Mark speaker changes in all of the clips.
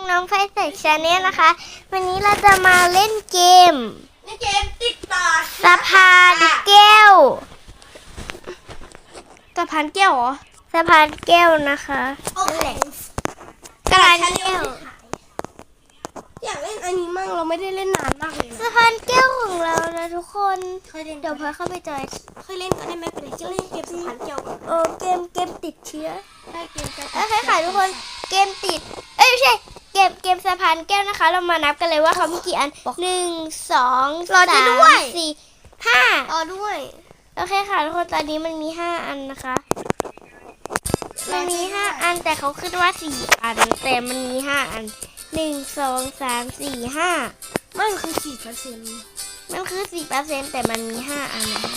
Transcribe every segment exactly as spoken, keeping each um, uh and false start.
Speaker 1: น้องไฟใส่ชาแนลนะคะ วันนี้เราจะมาเล่นเกม
Speaker 2: เล่นเกมติดต่อ
Speaker 1: สะพานแก้ว
Speaker 2: สะพานแก้วเหรอ
Speaker 1: สะพานแก้วนะคะ
Speaker 2: โอเค
Speaker 1: กระดานแก้ว
Speaker 2: อยากเล่นอันนี้มั่งเราไม่ได้เล่นนานมากเลย
Speaker 1: สะพานแก้วของเรานะทุกคนเดี๋ยวพอเข้าไปจอย
Speaker 2: เคยเล่นก็ได้ไหมเป็นจะเล่นเกมสะพานแก้ว
Speaker 1: เออเกมเกมติดเชื้อ
Speaker 2: ใช่เกม
Speaker 1: โอเคค่ะทุกคนเกมติดเอ้ยไม่ใช่เกมเกมสะพานแก้วนะคะเรามานับกันเลยว่าเขามีกี่อันหนึ่งสองสามสี่ห้า
Speaker 2: ต่อด้วย
Speaker 1: โอเคค่ะทุกคนตอนนี้มันมีห้าอันนะคะมันมีห้าอันแต่เขาขึ้นว่าสี่อันแต่มันมีห้าอันหนึ่งสองสามสี่ห้า
Speaker 2: มันคือสี่เปอร์เซ็นต์
Speaker 1: มันคือสี่เปอร์เซ็นต์แต่มันมีห้าอันนะคะ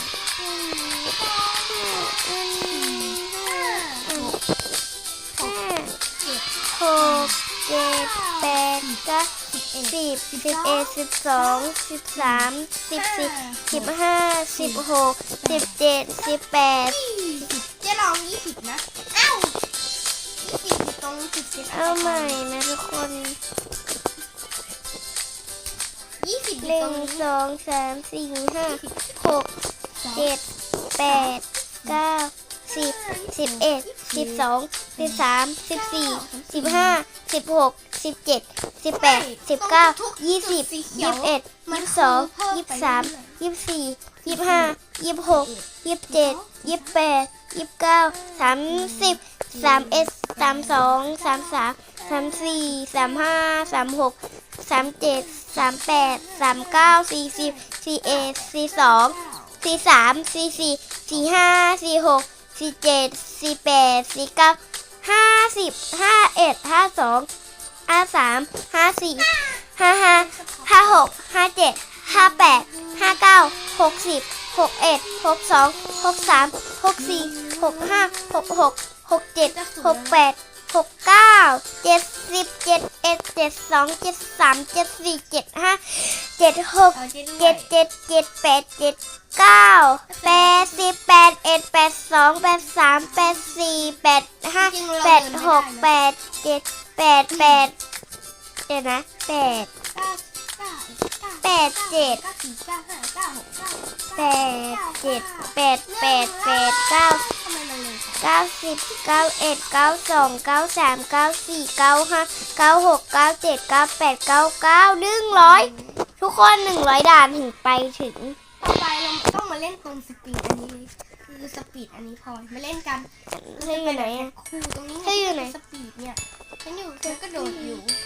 Speaker 1: หกเจ็ดแปดเก้าสิบสิบเอ็ดสิบสองสิบสามสิบสี่สิบห้าสิบหกสิบเจ็ดสิบแปด
Speaker 2: จะลองยี่สิบนะเอ้ายี่สิบตรงสิบเจ็ด
Speaker 1: เอาใหม่นะทุกคน
Speaker 2: ยี่สิบ
Speaker 1: หนึ่งสองสามสี่ห้าหกเจ็ดแปดเก้าสิบสิบเอ็ดสิบสองสิบสามสิบสี่สิบห้าสิบหกสิบเจ็ดสิบแปดสิบเก้ายี่สิบยี่สิบเอ็ดยี่สิบสองยี่สิบสามยี่สิบสี่ยี่สิบห้ายี่สิบหกยี่สิบเจ็ดยี่สิบแปดยี่สิบเก้าสามสิบสามเอ็ดสามสองสามสามสามสี่สามห้าสามหกสามเจ็ดสามแปดสามเก้าสี่สิบสี่เอ็ดสี่สองสี่สามสี่สี่สี่ห้าสี่หกสี่เจ็ดสี่แปดสี่เก้าห้าสิบห้าเอ็ดห้าสองห้าสามห้าสี่ห้าห้าห้าหกห้าเจ็ดห้าแปดห้าเก้าหกสิบหกเอ็ดหกสองหกสามหกสี่หกห้าหกหกหกเจ็ดหกแปดหกเก้าเจ็ดสิบเจ็ดเอ็ดเจ็ดสองเจ็ดสามเจ็ดสี่เจ็ดห้าเจ็ดหกเจ็ดเจ็ดเจ็ดแปดเจ็ดเก้าแปดสิบแปดเอ็ดแปดสองแปดสามแปดสี่แปดห้าแปดหกแปดเจ็ดแปดแปดเดี๋ยวนะแปดแปดเจ็ดแปดเจ็ดแปดแปดแปดเก้าเก้าสิบเก้าเอ็ดเก้าสองเก้าสามเก้าสี่เก้าห้าเก้าหกเก้าเจ็ดเก้าแปดเก้าเก้าหนึ่งร้อยทุกคนหนึ่งร้อยด่านถึงไปถึง
Speaker 2: ต่อไปเราต้องมาเล่นตรงสปีดอันนี้คือสปีดอันนี้พอมาเล่นกัน
Speaker 1: เธออยู่ไหน
Speaker 2: ครูตรงนี้
Speaker 1: เธออยู่ไหน
Speaker 2: สปีดเนี่ยฉันอยู่เธอก็โดดอยู่